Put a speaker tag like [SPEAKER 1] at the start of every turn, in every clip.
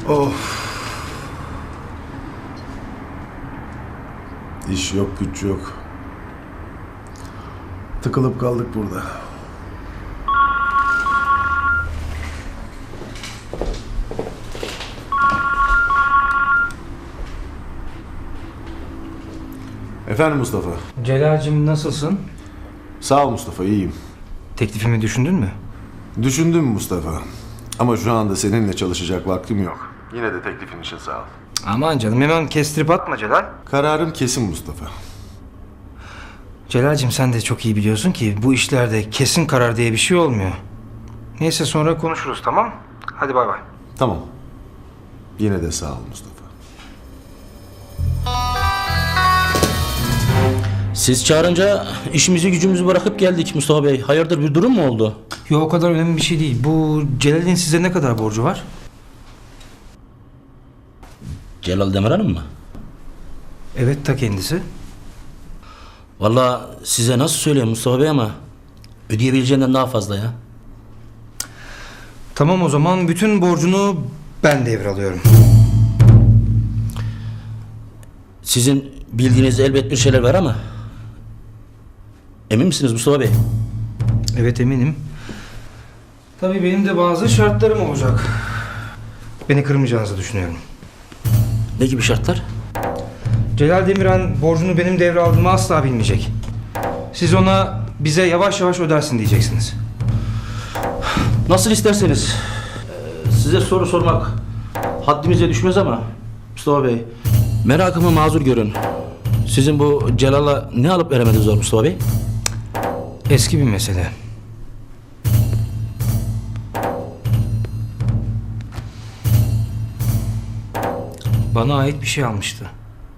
[SPEAKER 1] Of. İş yok, güç yok. Tıkılıp kaldık burada. Efendim Mustafa.
[SPEAKER 2] Celal'cim nasılsın?
[SPEAKER 1] Sağ ol Mustafa, iyiyim.
[SPEAKER 2] Teklifimi düşündün mü?
[SPEAKER 1] Düşündüm Mustafa. Ama şu anda seninle çalışacak vaktim yok. Yine de teklifin için sağ ol.
[SPEAKER 2] Aman canım hemen kestirip atma Celal.
[SPEAKER 1] Kararım kesin Mustafa.
[SPEAKER 2] Celal'cim sen de çok iyi biliyorsun ki bu işlerde kesin karar diye bir şey olmuyor. Neyse sonra konuşuruz, tamam? Hadi bay bay.
[SPEAKER 1] Tamam. Yine de sağ ol Mustafa.
[SPEAKER 3] Siz çağırınca işimizi gücümüzü bırakıp geldik Mustafa Bey. Hayırdır, bir durum mu oldu?
[SPEAKER 2] Yok, o kadar önemli bir şey değil. Bu Celal'in size ne kadar borcu var?
[SPEAKER 3] Celal Demirhan'ın mı?
[SPEAKER 2] Evet, ta kendisi.
[SPEAKER 3] Vallahi size nasıl söyleyeyim Mustafa Bey ama ödeyebileceğinden daha fazla ya.
[SPEAKER 2] Tamam, o zaman bütün borcunu ben devralıyorum.
[SPEAKER 3] Sizin bildiğiniz elbet bir şeyler var ama emin misiniz Mustafa Bey?
[SPEAKER 2] Evet, eminim. Tabii benim de bazı şartlarım olacak. Beni kırmayacağınızı düşünüyorum.
[SPEAKER 3] Ne gibi şartlar?
[SPEAKER 2] Celal Demirhan borcunu benim devraldığımı asla bilmeyecek. Siz ona bize yavaş yavaş ödersin diyeceksiniz.
[SPEAKER 3] Nasıl isterseniz. Size soru sormak haddimize düşmez ama Mustafa Bey, merakımı mazur görün. Sizin bu Celal'a ne alıp veremediniz var Mustafa Bey?
[SPEAKER 2] Eski bir mesele. Bana ait bir şey almıştı.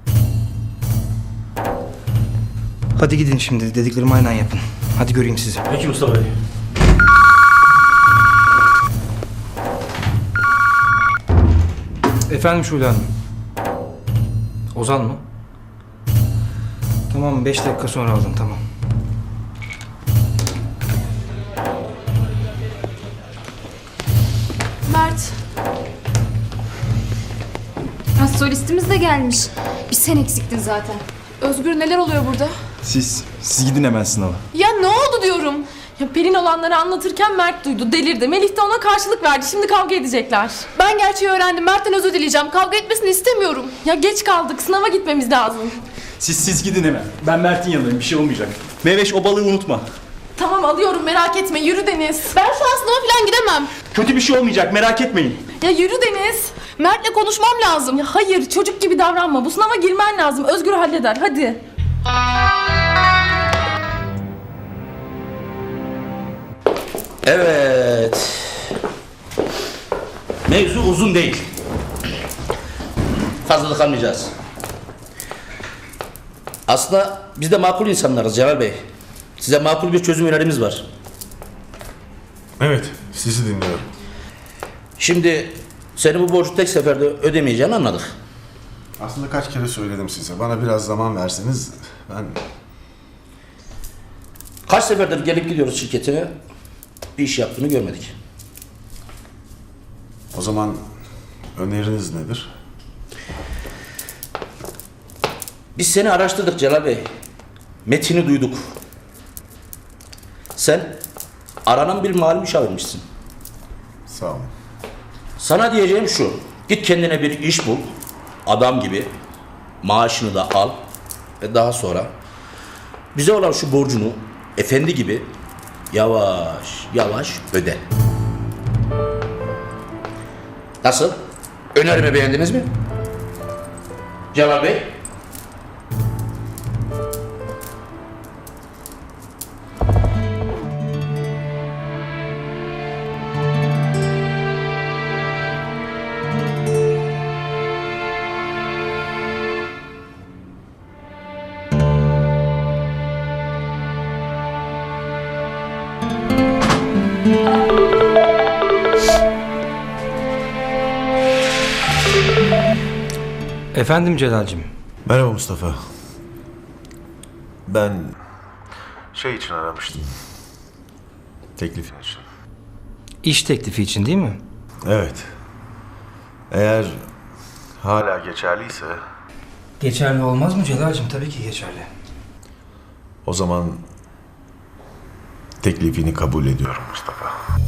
[SPEAKER 2] Hadi gidin şimdi, dediklerimi aynen yapın. Hadi göreyim sizi.
[SPEAKER 3] Peki Mustafa Bey.
[SPEAKER 2] Efendim Şule Hanım. Ozan mı? Tamam, 5 dakika sonra aldım, tamam.
[SPEAKER 4] Mert. Ha, solistimiz de gelmiş. Bir sen eksiktin zaten. Özgür, neler oluyor burada?
[SPEAKER 5] Siz gidin hemen sınava.
[SPEAKER 6] Ya ne oldu diyorum. Ya Pelin olanları anlatırken Mert duydu, delirdi. Melih de ona karşılık verdi. Şimdi kavga edecekler. Ben gerçeği öğrendim. Mert'ten özür dileyeceğim. Kavga etmesini istemiyorum. Ya geç kaldık. Sınava gitmemiz lazım.
[SPEAKER 5] Siz gidin hemen. Ben Mert'in yanındayım. Bir şey olmayacak. Meveş, o balığı unutma.
[SPEAKER 6] Tamam, alıyorum, merak etme. Yürü Deniz. Ben şu an sınava falan gidemem.
[SPEAKER 5] Kötü bir şey olmayacak. Merak etmeyin.
[SPEAKER 6] Ya yürü Deniz. Mert'le konuşmam lazım. Ya hayır, çocuk gibi davranma. Bu sınava girmen lazım. Özgür halleder. Hadi.
[SPEAKER 3] Evet. Mevzu uzun değil. Fazlalık almayacağız. Aslında biz de makul insanlarız Celal Bey. Size makul bir çözüm önerimiz var.
[SPEAKER 1] Evet, sizi dinliyorum.
[SPEAKER 3] Şimdi senin bu borcu tek seferde ödemeyeceğini anladık.
[SPEAKER 1] Aslında kaç kere söyledim size. Bana biraz zaman verseniz ben...
[SPEAKER 3] Kaç seferdir gelip gidiyoruz şirketine, bir iş yaptığını görmedik.
[SPEAKER 1] O zaman öneriniz nedir?
[SPEAKER 3] Biz seni araştırdık Celal Bey. Metini duyduk. Sen aranan bir mali müşavirmişsin.
[SPEAKER 1] Sağ olun.
[SPEAKER 3] Sana diyeceğim şu. Git kendine bir iş bul. Adam gibi. Maaşını da al. Ve daha sonra bize olan şu borcunu efendi gibi yavaş yavaş öde. Nasıl? Önerimi beğendiniz mi? Celal Bey?
[SPEAKER 2] Efendim Celal'cim.
[SPEAKER 1] Merhaba Mustafa. Ben... için aramıştım. Teklifin için.
[SPEAKER 2] İş teklifi için değil mi?
[SPEAKER 1] Evet. Eğer hala geçerliyse
[SPEAKER 2] Geçerli olmaz mı Celal'cim? Tabii ki geçerli.
[SPEAKER 1] o zaman teklifini kabul ediyorum Mustafa.